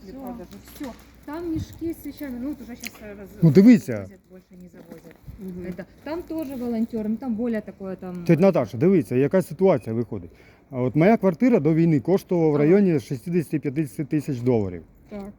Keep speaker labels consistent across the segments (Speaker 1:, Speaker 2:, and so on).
Speaker 1: куплі-продажу. Все. Там мішки з вещами, ну, уже сейчас
Speaker 2: Ну, дивіться.
Speaker 1: Більше не завозять. Это, там теж волонтерам, там более такое там...
Speaker 2: Тетя Наташа, дивіться, яка ситуація виходить. А от моя квартира до війни коштувала в районі 60-50 тисяч доларів.
Speaker 1: Так.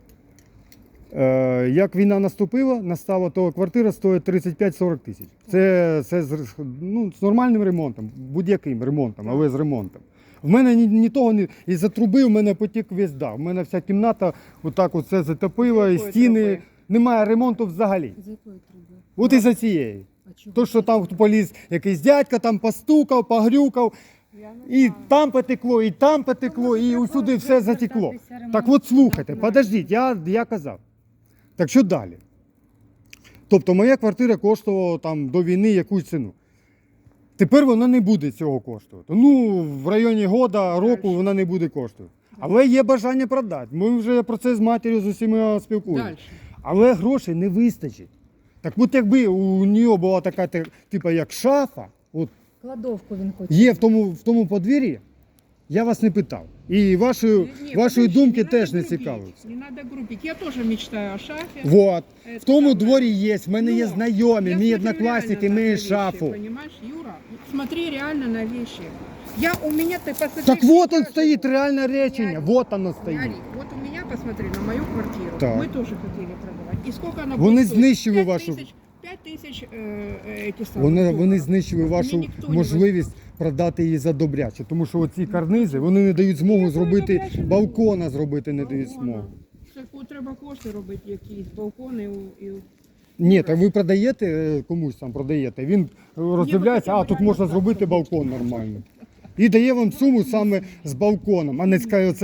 Speaker 2: Як війна настала, то квартира стоїть 35-40 тисяч. Це з нормальним ремонтом, будь-яким ремонтом, але з ремонтом. В мене ні того, із-за труби в мене потік весь дах. В мене вся кімната отак оце затопила, і стіни.
Speaker 1: Труби?
Speaker 2: Немає ремонту взагалі.
Speaker 1: З якої труби?
Speaker 2: От із-за цієї.
Speaker 1: А чого?
Speaker 2: То, що там поліз якийсь дядька, там постукав, погрюкав. І там потекло, і там потекло, і усюди все затекло. Так от слухайте, подождіть, я казав. Так що далі? Тобто моя квартира коштувала там до війни якусь ціну. Тепер вона не буде цього коштувати. Ну, в районі року вона не буде коштувати. Але є бажання продати. Ми вже про це з матір'ю з усіма спілкуємося. Але грошей не вистачить. Так от якби у нього була така, типу, як шафа, от,
Speaker 1: Кладовку він хоче.
Speaker 2: є в тому подвір'ї, я вас не питав. І вашої думки теж не цікавиться.
Speaker 3: Не надо грубить. Я тоже мечтаю о шафе.
Speaker 2: Вот.
Speaker 3: Это
Speaker 2: В тому
Speaker 3: самое.
Speaker 2: дворі є, в мене є знайомі,
Speaker 3: Я
Speaker 2: мій
Speaker 3: смотрю
Speaker 2: однокласник
Speaker 3: реально на
Speaker 2: має
Speaker 3: вещи,
Speaker 2: шафу.
Speaker 3: Понимаешь, Юра? Смотри реально на вещи. У меня, ты посмотри.
Speaker 2: Так вот он
Speaker 3: я
Speaker 2: стоит,
Speaker 3: живу.
Speaker 2: реальное речение, вот оно стоит.
Speaker 3: Смотри, вот у меня, посмотри, на мою квартиру.
Speaker 2: Так.
Speaker 3: Мы тоже хотели продавать. И сколько она
Speaker 2: Вони
Speaker 3: будет стоить?
Speaker 2: знищили
Speaker 3: 5
Speaker 2: вашу-
Speaker 3: тысяч, 5 тысяч эти самые.
Speaker 2: Вони знищили
Speaker 3: Мені
Speaker 2: вашу
Speaker 3: ніхто не
Speaker 2: можливість продати її за добряче, тому що оці карнизи, вони не дають змогу зробити,
Speaker 3: добряче не
Speaker 2: балкона зробити не дають змогу.
Speaker 3: Таку треба кошти робити якісь, балкони і...
Speaker 2: Ні, так ви продаєте, комусь там продаєте, він роздивляється, а тут можна зробити балкон нормально. І дає вам суму саме з балконом, а не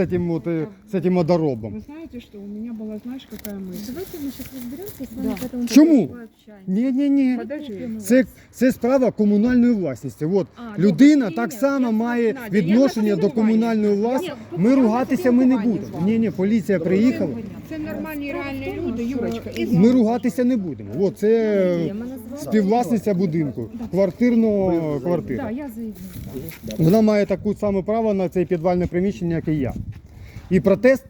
Speaker 2: з цим одоробом.
Speaker 3: Вы знаете, что у меня была, знаешь, какая мысль?
Speaker 1: Давайте мы сейчас разберемся с вами,
Speaker 3: Да.
Speaker 1: поэтому
Speaker 2: Чому?
Speaker 1: пообщаемся.
Speaker 2: Ні.
Speaker 3: Подожди.
Speaker 2: Це справа комунальної власності. От
Speaker 1: А,
Speaker 2: людина
Speaker 1: добре,
Speaker 2: так
Speaker 1: ні,
Speaker 2: само
Speaker 1: я
Speaker 2: має
Speaker 3: Надя,
Speaker 2: відношення
Speaker 3: я
Speaker 2: до
Speaker 3: на
Speaker 2: комунальної
Speaker 3: спілкування.
Speaker 2: власності.
Speaker 1: Ні,
Speaker 2: Ми
Speaker 1: я на
Speaker 2: ругатися ми не
Speaker 3: спілкування
Speaker 2: будемо.
Speaker 3: з вами.
Speaker 2: Ні, поліція приїхала.
Speaker 3: Це нормальні реальні люди, Юрочка. І
Speaker 2: Ми ругатися не будемо. От це
Speaker 1: Мене звати-
Speaker 2: співвласниця будинку, квартирного квартира.
Speaker 1: Да, я заявлю.
Speaker 2: Вона має таку саме право на це підвальне приміщення, як і я. І протест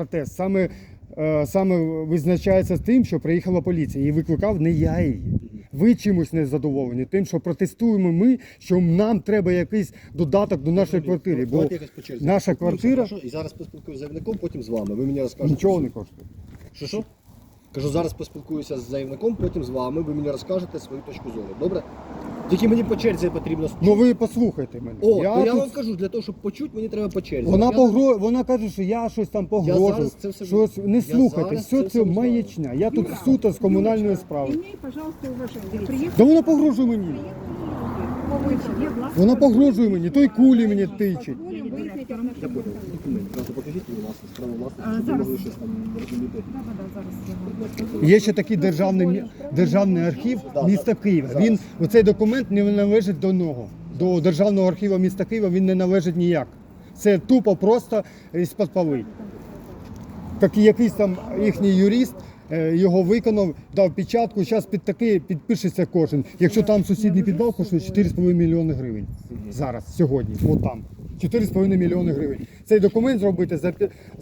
Speaker 2: саме визначається з тим, що приїхала поліція. І викликав не я її. Ви чимось не задоволені тим, що протестуємо ми, що нам треба якийсь додаток до нашої квартири. Бо
Speaker 4: Давайте якось по черзі.
Speaker 2: наша квартира
Speaker 4: І зараз поспілкуюся з заявником, потім з вами. Ви мені розкажете.
Speaker 2: нічого не коштує.
Speaker 4: Що? Кажу, зараз поспілкуюся з заявником, потім з вами. Ви мені розкажете свою точку зору. Добре? Тільки мені по черзі потрібно.
Speaker 2: Ну ви послухайте мене.
Speaker 4: О, то я
Speaker 2: тут-
Speaker 4: вам кажу, для того, щоб почути, мені треба по черзі.
Speaker 2: Вона каже, що я щось там погрожую.
Speaker 4: зараз це все-
Speaker 2: Щось не
Speaker 4: я
Speaker 2: слухайте,
Speaker 4: зараз
Speaker 2: все
Speaker 4: це
Speaker 2: це
Speaker 4: все
Speaker 2: маячня. Я тут суто з комунальної справи.
Speaker 3: Імей, пожалуйста, уваження. Приїхали.
Speaker 2: Да вона погрожує мені.
Speaker 3: Є власне.
Speaker 2: Вона погрожує мені, той кулі мені тичить.
Speaker 3: Будемо вияснити
Speaker 4: Я
Speaker 3: отношення.
Speaker 4: понял. Документ. Просто покажіть, будь ласка, справу власності, щоб ви
Speaker 1: зараз.
Speaker 4: могли щось там розуміти.
Speaker 2: Є ще такий державний архів міста Києва. Оцей документ не належить до нього. До Державного архіву міста Києва він не належить ніяк. Це тупо просто із-під поли. Так і якийсь там їхній юрист його виконав, дав печатку, зараз під такий підпишеться кожен. Якщо там сусідній підвал коштує 4,5 мільйони гривень. Зараз, сьогодні, от там. 4,5 мільйони гривень. Цей документ зробити за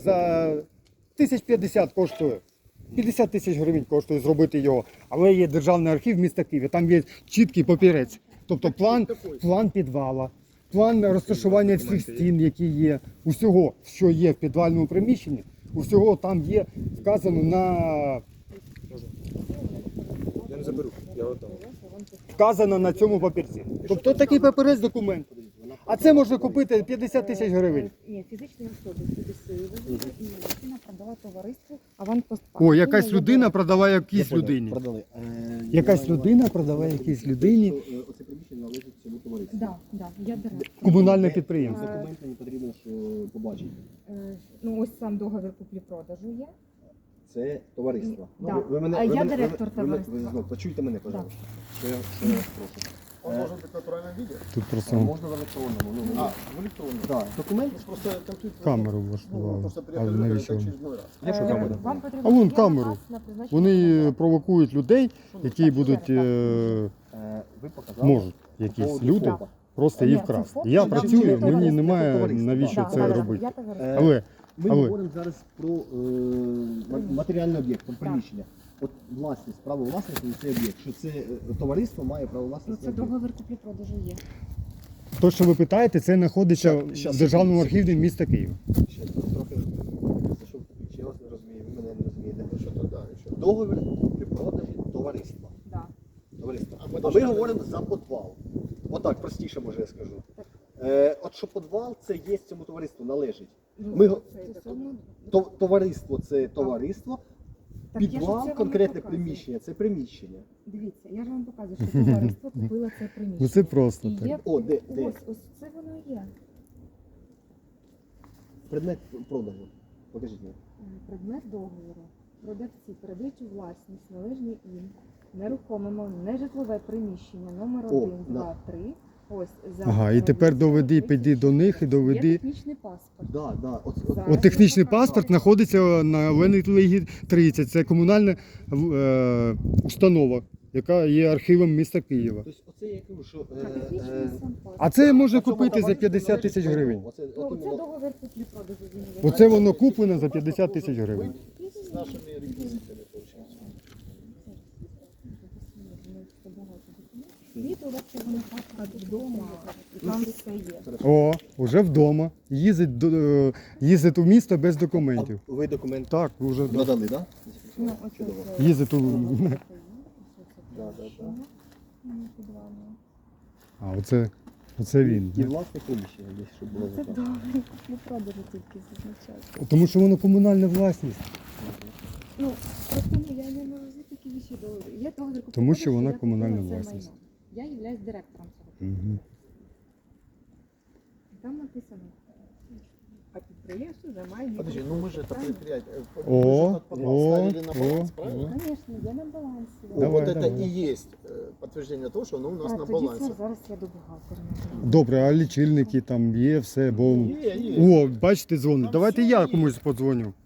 Speaker 2: 1050 коштує. 50 тисяч гривень коштує зробити його. Але є Державний архів міста Києва, там є чіткий папірець. Тобто план підвала, план розташування всіх стін, які є, усього, що є в підвальному приміщенні, усього там є вказано
Speaker 4: Я не заберу. Я
Speaker 2: вказано на цьому папірці. Тобто такий папірець документ. А це можна купити 50 тисяч гривень.
Speaker 1: Ні, фізичні особи сюди людина продала товариству «Аванпост».
Speaker 2: О, якась людина продала якійсь людині.
Speaker 4: Продали.
Speaker 2: Якась людина продала якійсь людині
Speaker 4: Оце приміщення належить цьому товариству.
Speaker 1: Да, я директор.
Speaker 2: комунальне підприємство.
Speaker 4: Документ мені потрібно, що побачити.
Speaker 1: Ну, ось сам договір куплі-продажу є.
Speaker 4: Це товариство.
Speaker 1: Да.
Speaker 4: Ви
Speaker 1: А я директор товариства.
Speaker 4: Ви знов почуйте мене, пожалуйста. Що я вас прошу.
Speaker 5: Он может быть в натуральном виде?
Speaker 2: Тут
Speaker 4: А
Speaker 2: просто
Speaker 4: можна в електронному.
Speaker 5: А, в электронном.
Speaker 4: Так, документ.
Speaker 5: Просто компьютер...
Speaker 2: камеру
Speaker 5: Ну,
Speaker 2: влаштували.
Speaker 5: просто
Speaker 2: А
Speaker 5: приехали,
Speaker 2: навіщо?
Speaker 5: это
Speaker 2: вони?
Speaker 5: очередной раз.
Speaker 4: Є що камера?
Speaker 1: Вам потрібно
Speaker 2: А вон
Speaker 1: є
Speaker 2: камеру.
Speaker 1: наказ на призначення
Speaker 2: Вони
Speaker 1: адвоката.
Speaker 2: провокують людей, які будуть,
Speaker 4: Ви показали.
Speaker 2: можуть якісь люди просто її
Speaker 1: Ні, це
Speaker 2: вкрасти.
Speaker 1: фото,
Speaker 2: Я
Speaker 1: да,
Speaker 2: працюю,
Speaker 1: це
Speaker 2: мені
Speaker 1: товариство,
Speaker 2: немає
Speaker 4: товариство,
Speaker 2: навіщо
Speaker 1: Да,
Speaker 2: це
Speaker 1: да,
Speaker 2: робити.
Speaker 1: я товариство.
Speaker 2: Але
Speaker 4: Ми
Speaker 2: Але.
Speaker 4: говоримо зараз про матеріальний об'єкт, про приміщення. От власність, право власності на цей об'єкт, що це товариство має право
Speaker 1: Ну,
Speaker 4: власності.
Speaker 1: це договір куплі-продажу є.
Speaker 2: То, що ви питаєте, це знаходиться
Speaker 4: Щас,
Speaker 2: в Державному
Speaker 4: секунду.
Speaker 2: архіві міста Києва.
Speaker 4: Ще трохи зайшов в ключ, я вас не розумію, ви мене не розумієте.
Speaker 5: Що то, да, що.
Speaker 4: Договір куплі-продажі товариства.
Speaker 1: Да.
Speaker 4: Товариство.
Speaker 5: А ми
Speaker 4: А
Speaker 5: должны-
Speaker 4: ми говоримо за підвал. Отак, простіше, може я скажу. От що підвал, це є цьому товариству, належить.
Speaker 1: Ну,
Speaker 4: Ми-
Speaker 1: це все одно-
Speaker 4: Товариство це товариство,
Speaker 1: Так я ж це
Speaker 4: підвал,
Speaker 1: вам
Speaker 4: конкретне
Speaker 1: показую.
Speaker 4: приміщення, це приміщення.
Speaker 1: Дивіться, я ж вам показую, що товариство купило це приміщення.
Speaker 2: Ну це просто
Speaker 1: І є...
Speaker 2: так.
Speaker 4: О, де?
Speaker 1: Ось це воно є.
Speaker 4: Предмет продажу. Покажіть мені.
Speaker 1: Предмет договору. Продавці передають у власність належні їм нерухомимо нежитлове приміщення номер
Speaker 4: О,
Speaker 1: 1,
Speaker 4: на.
Speaker 1: 2, 3. Ось за
Speaker 2: Ага, і тепер доведи, піди до них і доведи.
Speaker 1: Є технічний паспорт.
Speaker 4: Да, да.
Speaker 1: Зараз.
Speaker 2: От технічний паспорт знаходиться на Ленітлигі 30. Це комунальна установа, яка є архівом міста Києва.
Speaker 4: Тобто оце я кажу, що...
Speaker 1: А технічний сам паспорт.
Speaker 2: А це можна
Speaker 4: Оцьому
Speaker 2: купити за
Speaker 4: товариству
Speaker 2: 50 тисяч
Speaker 4: належить
Speaker 2: гривень.
Speaker 4: Оце,
Speaker 1: Ну,
Speaker 4: от
Speaker 1: це
Speaker 4: іменно-
Speaker 1: договір куплі-продажу. він є.
Speaker 2: Оце воно куплено за 50 тисяч гривень.
Speaker 5: С нашими реквизитами, получается.
Speaker 1: Відео у вас цього не паспорт вдома, і там все є.
Speaker 2: О, уже вдома. Їздить у місто без документів.
Speaker 4: А ви документ
Speaker 2: Так, вже да.
Speaker 4: надали, так?
Speaker 1: Ну, оце
Speaker 4: Чудово.
Speaker 1: це-
Speaker 2: Їздить у.
Speaker 4: Да, да, да.
Speaker 2: А, оце він.
Speaker 4: І власне приміщення десь, щоб було
Speaker 1: Це
Speaker 4: записано.
Speaker 1: договір куплі-продажу тільки зазначає.
Speaker 2: Тому що воно комунальна власність.
Speaker 1: Ну, просто я не можу такі віші договори. Є договір куплі-продажу,
Speaker 2: Тому що вона
Speaker 1: я купила
Speaker 2: комунальна
Speaker 1: це
Speaker 2: власність.
Speaker 1: майно. Я являюсь директором цього.
Speaker 2: Угу.
Speaker 1: Там написано.
Speaker 3: А підприємство займає
Speaker 5: Подожди, ну мы же это предприятие.
Speaker 2: О,
Speaker 5: Мы же этот подвал
Speaker 2: о,
Speaker 5: ставили на баланс,
Speaker 2: о,
Speaker 5: правильно?
Speaker 1: Звісно, є на балансі.
Speaker 5: О,
Speaker 2: Давай,
Speaker 5: вот это
Speaker 2: давай.
Speaker 5: и есть подтверждение того, что оно у нас на
Speaker 1: тоді
Speaker 5: балансе.
Speaker 1: це зараз я до бухгалтера.
Speaker 2: Добре, а лічильники там є, все, бо.
Speaker 5: Є.
Speaker 2: О, бачите, дзвонить. Давайте я комусь подзвоню.